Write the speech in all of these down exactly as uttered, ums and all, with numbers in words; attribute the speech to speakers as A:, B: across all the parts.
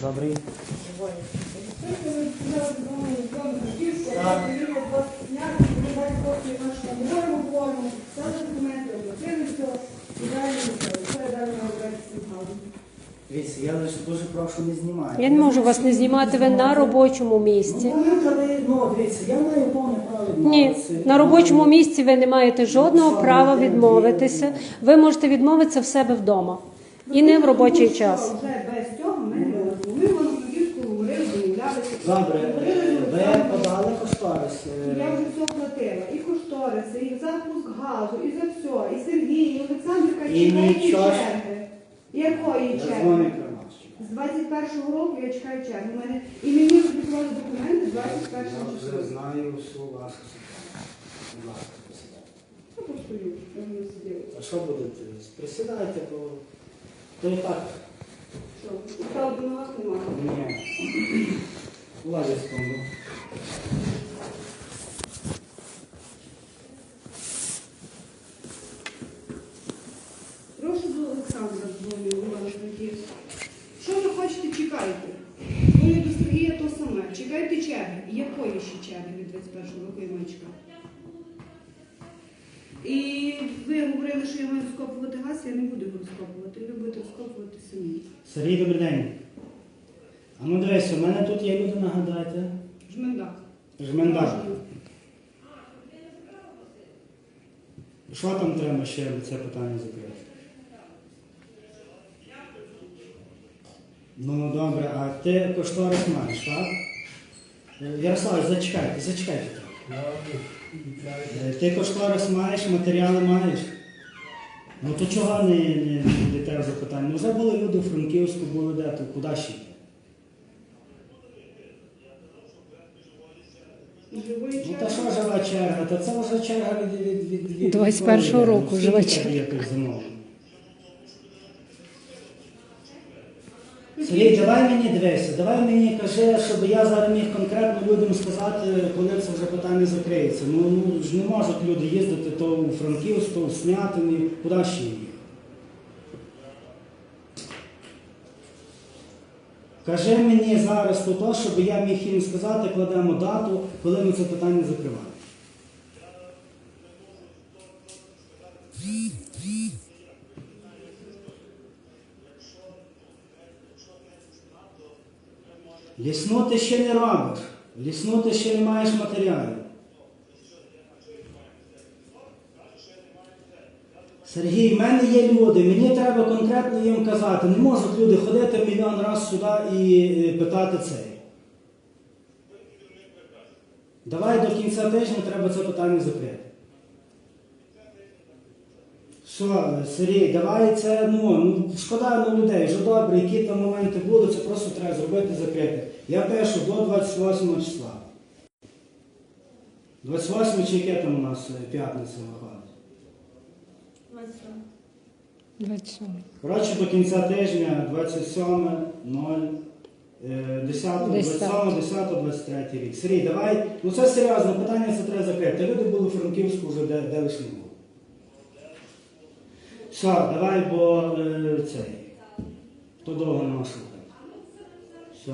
A: Добрий. Дивіться, я лише дуже прошу не знімати.
B: Я не можу вас не знімати, ви на робочому місці.
A: Ну, коли, ну, дивіться, я маю повне право
B: Ні,
A: відмовитися.
B: на робочому місці ви не маєте жодного права відмовитися. Ви можете відмовитися в себе вдома. І не в робочий час.
C: Вже без цього ми не можемо. Ми воно тоді говорили, домовлялися.
A: Добре, ви подали кошторис.
C: Я вже все платила. І кошториси, і запуск газу, і за все. І Сергій, і Олександрка
A: І
C: чекають
A: нічого ж-
C: черги. Якої
A: Я
C: черги?
A: дзвоню про нас.
C: З двадцять першого року я чекаю черги. У мене і мені приклали документи двадцять першого
A: Я
C: числа.
A: вже знаю всю вашу ситуацію. Будь ласка, присідайте.
C: Я постою, я не сиділа.
A: А що будете? Присідайте, то, то і так.
C: Що? Правда, на ногах немає.
A: Ні. Владі секунду.
C: Прошу до Олександра дзвоню, Івана Франківська. Що ви хочете, чекайте. Дзвоню до Сергія то саме. Чекайте черги. Якої ще черги від двадцять першого року я маю чекати? І ви говорили, що я маю розкопувати газ, я не буду його розкопувати. Ви будете розкопувати самі.
A: Сергій, добрий день. А ну дивись, у мене тут є люди, нагадайте.
C: Жмендак.
A: Жмендар. Що там треба ще це питання закрити? Ну добре, а ти кошторис маєш, так? Е, Ярослав, зачекайте, зачекайте. Е, Ти кошторис маєш, матеріали маєш? Ну то чого не, не, не йдете в запитання? Ну вже були люди у Франківську, були де, то куди ще йти?
C: Живої
A: Ну та
C: черги.
A: що жива черга? Та це вже черга від, від, від, від
B: двадцять першого
A: відколи,
B: року
A: ну,
B: жива
A: скільки
B: черга.
A: якось замовлено? Сергій, давай мені дивися, давай мені кажи, щоб я зараз міг конкретно людям сказати, коли це вже питання закриється. Ну, ну ж не можуть люди їздити то у Франківськ, то у Снятині, куди ще їх? Кажи мені зараз то, то, щоб я міг їм сказати, кладемо дату, коли ми це питання закриваємо. Лісну ти ще не робиш, лісну ти ще не маєш матеріалів. Сергій, в мене є люди, мені треба конкретно їм казати. Не можуть люди ходити мільйон разів сюди і е, питати цей. Давай до кінця тижня треба це питання закрити. Що, Сергій, давай це, ну, ну шкода на людей, вже добре, які там моменти були, це просто треба зробити, закрити. Я пишу до двадцять восьмого числа. двадцять восьмого чи яке там у нас е, п'ятниця виходить?
B: двадцять сьомого.
A: Коротше, до кінця тижня, двадцять сьоме, нуль, десяте, двадцять сьоме, десяте, двадцять третє рік. Сергій, давай, ну це серйозне питання, це треба закрити. Люди були у Франківську вже де, де лиш не було. Все, давай, бо е, цей, то довго нема слухати. Все.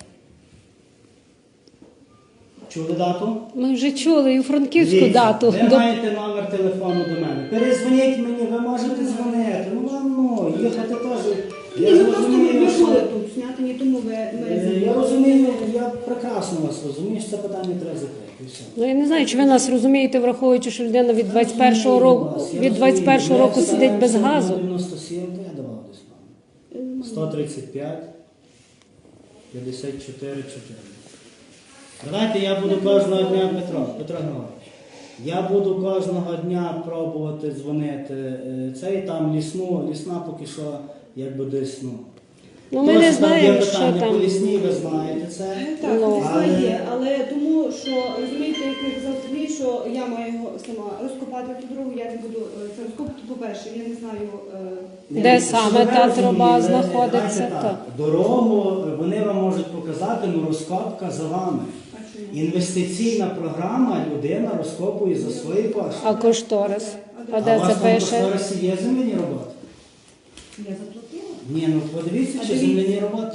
A: Чули дату?
B: Ми вже чули і у Франківську
A: Дивіться,
B: дату.
A: Ви
B: До-
A: маєте номер телефону до мене. Перезвоніть мені, ви можете дзвонити. Ну вам ну, їхати теж.
C: Ні,
A: Я
C: ну просто ми
A: розумію,
C: не
A: що...
C: були тут зняти, ні тому ви
A: Е,
C: ми
A: Я розумію, я прекрасно вас розумію, що це питання треба закрити. І все.
B: Ну я не знаю, чи ви нас розумієте, враховуючи, що людина від двадцять першого року,
A: Я
B: від двадцять першого
A: розумію.
B: року
A: Я
B: сидить без
A: стараюся
B: газу.
A: на дев'яносто сім, то я давав десь вам. сто тридцять п'ять, п'ятдесят чотири, чотири. Давайте я буду кожного дня, Петро, Петро Григорович, я буду кожного дня пробувати дзвонити е, цей, там лісну, лісна поки що якби десь, ну.
B: Ну ми не
A: Просто там є
B: знаємо, що
A: питання по
B: там.
A: лісній, ви знаєте це.
C: так,
B: Ну,
C: лісна
A: але-
C: є, але тому, що розумієте, як я казав Сергій, що я маю його сама розкопати ту дорогу, я не буду е, це розкопати, по-перше, я не знаю. е,
B: Де
A: Ні,
B: саме
A: щоб ви
B: та
A: розуміли,
B: труба знаходиться,
A: давайте
B: так.
A: так. Дорогу вони вам можуть показати, ну розкопка за вами.
C: а чому?
A: Інвестиційна програма, людина розкопує за свої кошти.
B: А кошторис? А
A: А
B: де
A: у
B: це
A: вас там
B: пише?
A: кошторисі є земляні роботи?
C: Я заплатила.
A: Ні, ну подивіться,
C: А
A: чи
C: дивіться.
A: земляні роботи є.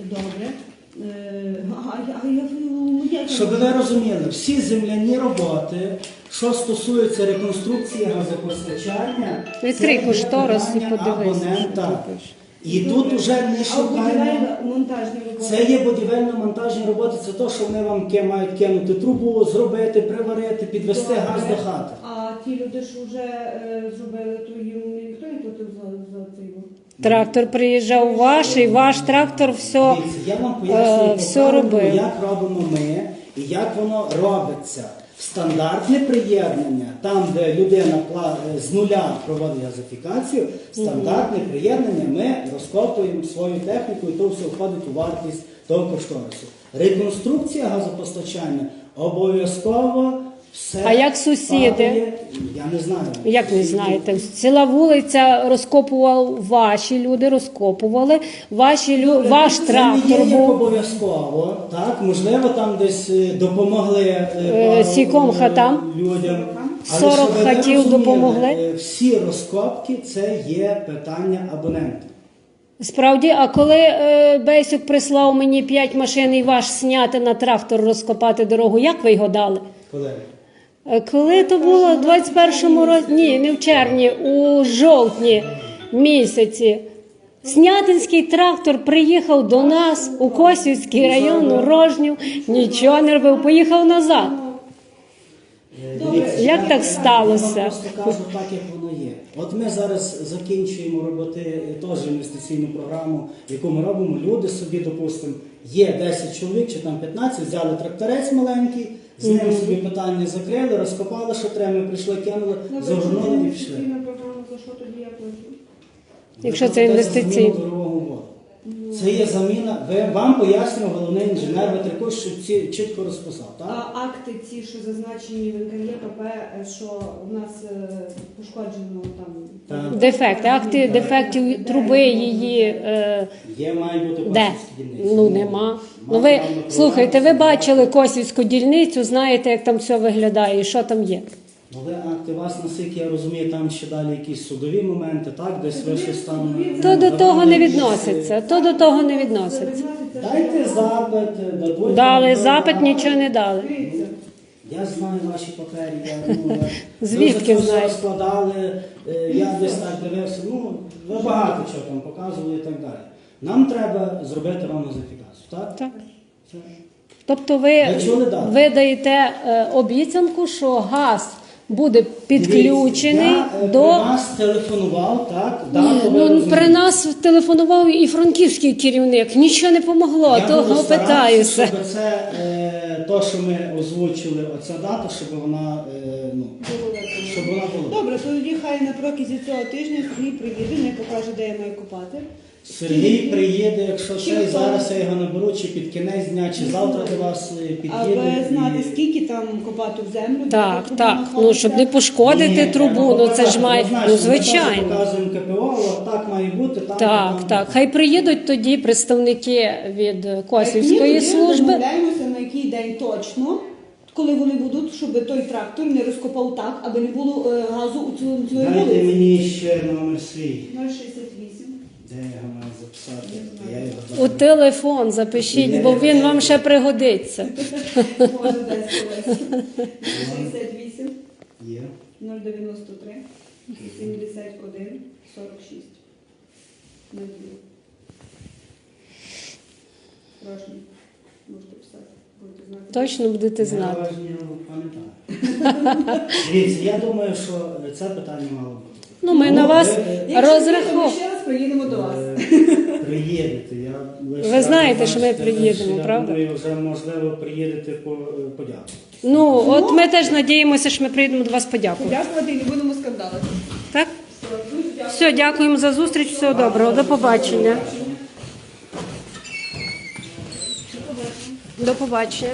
C: Добре. Е, А, а, а я, ну, як я
A: Щоб
C: можу?
A: ви розуміли, всі земляні роботи, що стосуються реконструкції газопостачання,
B: Відкрий
A: це є
B: кошторис і
A: питання
B: подивись, що
A: абонента.
B: ти пишеш.
A: І тут уже не
C: А
A: шукаємо.
C: будівельно-монтажні роботи?
A: Це є будівельно-монтажні роботи, це те, що вони вам ки- мають кинути трубу, зробити, приварити, підвести
C: Добре.
A: газ до хати.
C: А ті люди, що вже е, зробили, то їм ніхто не платив за, за цей?
B: Трактор приїжджав ваш, і ваш трактор все.
A: Дивіться, я вам пояснюю,
B: е, все робив.
A: як робимо ми і як воно робиться. Стандартне приєднання, там, де людина пла- з нуля проводить газифікацію, стандартне приєднання ми розкопуємо свою техніку, і то все входить у вартість того кошторису. Реконструкція газопостачання обов'язково все.
B: А як сусіди?
A: падає. Я не знаю.
B: Як не знаєте, ціла вулиця розкопував ваші люди, розкопували, ваші лю... ваш
A: Це
B: трактор
A: не є як
B: був.
A: обов'язково, так? Можливо, там десь е, допомогли е,
B: Е,
A: пару,
B: скільком
A: е,
B: хатам?
A: людям. Але
B: сорок
A: щоб ви
B: хатів
A: розуміли,
B: допомогли?
A: е, Всі розкопки це є питання абонента.
B: Справді, а коли е, Бейсюк прислав мені п'ять машин і ваш сняти на трактор розкопати дорогу, як ви його дали?
A: Коли?
B: Е, Коли то було в двадцять першому році, ні, не в червні, у жовтні місяці. Снятинський трактор приїхав до нас у Косівський район, у Рожнів, нічого не робив, поїхав назад.
A: Е, дивіться,
B: Як
A: я-
B: так сталося?
A: Я вам просто кажу так, як воно є. От ми зараз закінчуємо робити е, теж інвестиційну програму, яку ми робимо. Люди собі, допустимо, є десять чоловік чи там п'ятнадцять, взяли тракторець маленький, з ним собі питання закрили, розкопали, що треба, ми прийшли, кинули, загорнули і пішли.
C: Інвестиційна програма, за що тоді я плачу?
B: Якщо
A: Ви
B: це
A: платите за
B: інвестиційно.
A: заміну дорогого воду. Це є заміна. Ви, вам пояснював головний інженер Ветриков, що ці чітко розписав, так?
C: А акти ці, що зазначені в ен ка є ПП, е, що в нас е, пошкоджено там...
A: Так.
B: Дефекти, акти дефектів труби її. Е,
A: Є, має бути
B: Де?
A: косівські дільниці.
B: Ну нема. Ну
A: Мав
B: ви
A: право на
B: слухайте, ви
A: програму,
B: бачили Косівську дільницю, знаєте, як там все виглядає і що там є.
A: Але акти вас, наскільки я розумію, там ще далі якісь судові моменти, так? Десь ви щось там...
B: То до того не
A: якісь,
B: відноситься. То до того не відноситься.
A: Дайте запит, дадуть...
B: Дали
A: вам
B: запит,
A: програму.
B: нічого не дали.
A: Я знаю ваші папері, я, ну, я-
B: Звідки
A: ви за це все
B: знаєш?
A: складали, е, я десь так дивився, ну, ви багато чого там показували і так далі. Нам треба зробити вам газифікацію, так?
B: Так.
A: Все.
B: Тобто ви,
A: Ви чули дату?
B: ви даєте е, обіцянку, що газ буде підключений
A: Дивіться, я, е,
B: до.
A: при вас телефонував, так?
B: Ні,
A: дату ви
B: ну,
A: розумієте.
B: при нас телефонував і франківський керівник. Нічого не помогло,
A: Я
B: того
A: буду старатися,
B: питаюся.
A: щоб це, е, то, що ми озвучили, оця дата, щоб вона, е, ну, щоб вона була.
C: Добре, то тоді хай на протязі цього тижня Сергій приїде, не покаже, де я маю копати.
A: Сергій приїде, якщо
C: Чи
A: це,
C: хто?
A: зараз я його наберу, чи під кінець дня, чи завтра до вас е, під'їде.
C: Аби знати,
A: і-
C: скільки там копати в землю. де
B: Так,
C: труба
B: так. Ну
C: знаходиться.
B: щоб не пошкодити
A: Ні,
B: трубу,
A: треба
B: ну це ж
A: показати.
B: має.
A: Однозначно,
B: Ну
A: ми теж
B: звичайно.
A: показуємо ка пе о, от так має бути, так.
B: Так,
A: там.
B: так. Хай приїдуть тоді представники від Косівської
C: Ні, тоді
B: служби.
C: Домовляємося, на який день точно, коли вони будуть, щоб той трактор не розкопав так, аби не було е, газу у цьому цій
A: Дайте
C: вулиці.
A: мені ще номер свій.
C: нуль шістдесят вісім.
A: Де я його маю записати? Я його
B: У
A: знаю.
B: телефон запишіть, бо він вам ще пригодиться.
C: Може, десь колись. шістдесят вісім,
A: Є.
C: нуль дев'яносто три, сімдесят один, сорок шість. нуль дві. Прошу, можете писати, будете знати.
B: Точно будете знати.
A: Я вас не пам'ятаю. Дивіться, я думаю, що це питання мало бути.
B: Ну, ми на вас
A: ви, е,
C: Якщо ні, то ми
B: розраховуємо.
C: ще раз приїдемо до вас.
A: Е, Приїдете. Я лише
B: Ви знаєте,
A: раз
B: що ми
A: бачите,
B: приїдемо,
A: я
B: правда?
A: думаю, вже можливо приїдете по подякувати.
B: Ну, от ми теж надіємося, що ми приїдемо до вас подякувати.
C: Подякувати і не будемо скандалити.
B: Так?
C: Все, дуже дякую.
B: Все, дякуємо за зустріч, всього доброго, до побачення. До побачення.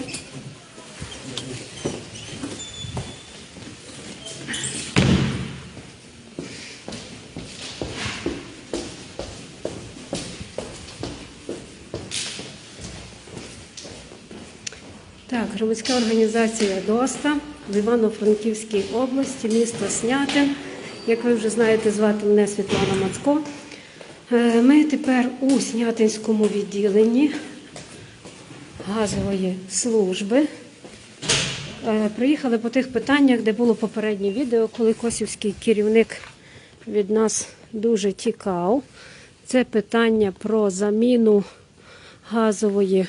B: Так, громадська організація ДОСТА в Івано-Франківській області, місто Снятин. Як ви вже знаєте, звати мене Світлана Мацко. Е, Ми тепер у Снятинському відділенні газової служби. Е, Приїхали по тих питаннях, де було попереднє відео, коли косівський керівник від нас дуже тікав. Це питання про заміну газової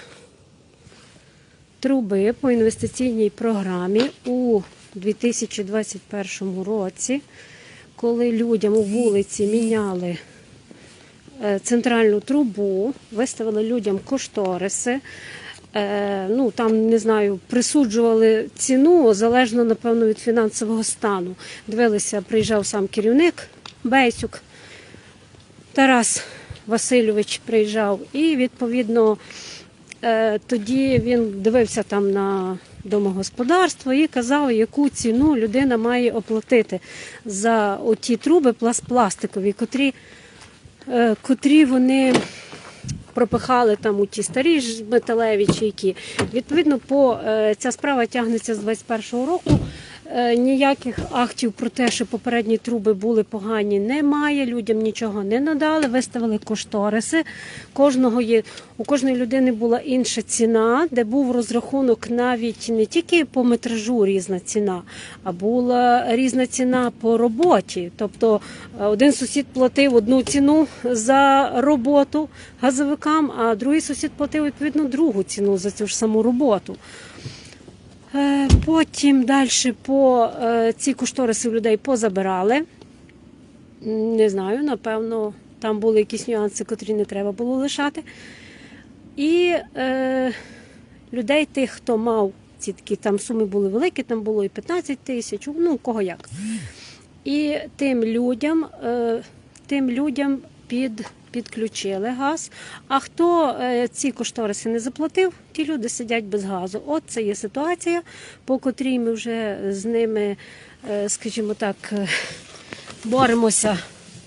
B: труби по інвестиційній програмі у дві тисячі двадцять першому році, коли людям у вулиці міняли центральну трубу, виставили людям кошториси, е, ну там, не знаю, присуджували ціну залежно, напевно, від фінансового стану. Дивилися, приїжджав сам керівник Бейсюк, Тарас Васильович приїжджав, і, відповідно, е, тоді він дивився там на домогосподарство і казав, яку ціну людина має оплатити за оті труби пластикові, котрі котрі вони пропихали там у ті старі ж металеві чи які. Відповідно, по, ця справа тягнеться з двадцять першого року. Ніяких актів про те, що попередні труби були погані, немає. Людям нічого не надали, виставили кошториси. Кожного є, у кожної людини була інша ціна, де був розрахунок навіть не тільки по метражу різна ціна, а була різна ціна по роботі. Тобто один сусід платив одну ціну за роботу газовикам, а другий сусід платив, відповідно, другу ціну за цю ж саму роботу. Потім далі по ці кошториси людей позабирали. Не знаю, напевно, там були якісь нюанси, котрі не треба було лишати. І е, людей тих, хто мав ці такі, там суми були великі, там було і п'ятнадцять тисяч, ну, у кого як. І тим людям, е, тим людям під... підключили газ, а хто е, ці кошториси не заплатив, ті люди сидять без газу. От це є ситуація, по котрій ми вже з ними, е, скажімо так, е, боремося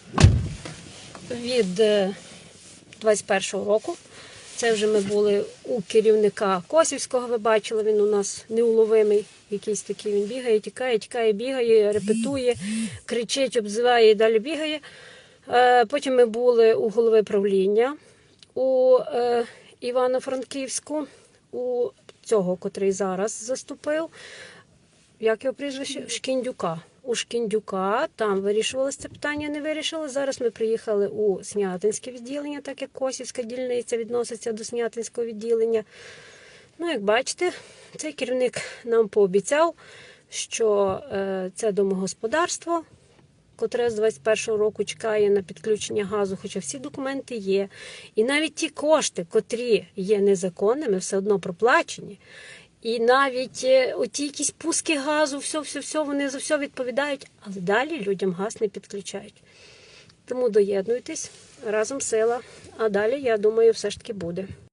B: від е, двадцять першого року. Це вже ми були у керівника Косівського, ви бачили, він у нас неуловимий, якийсь такий, він бігає, тікає, тікає, бігає, репетує, кричить, обзиває і далі бігає. Потім ми були у голови правління у е, Івано-Франківську, у цього, котрий зараз заступив, як його прізвище? Шкіндюка. У Шкіндюка, там вирішувалося це питання, не вирішили. Зараз ми приїхали у Снятинське відділення, так як Косівська дільниця відноситься до Снятинського відділення. Ну, як бачите, цей керівник нам пообіцяв, що е, це домогосподарство, котре з двадцять першого року чекає на підключення газу, хоча всі документи є. І навіть ті кошти, котрі є незаконними, все одно проплачені. І навіть оті якісь пуски газу, все-все-все, вони за все відповідають, але далі людям газ не підключають. Тому доєднуйтесь, разом сила, а далі, я думаю, все ж таки буде.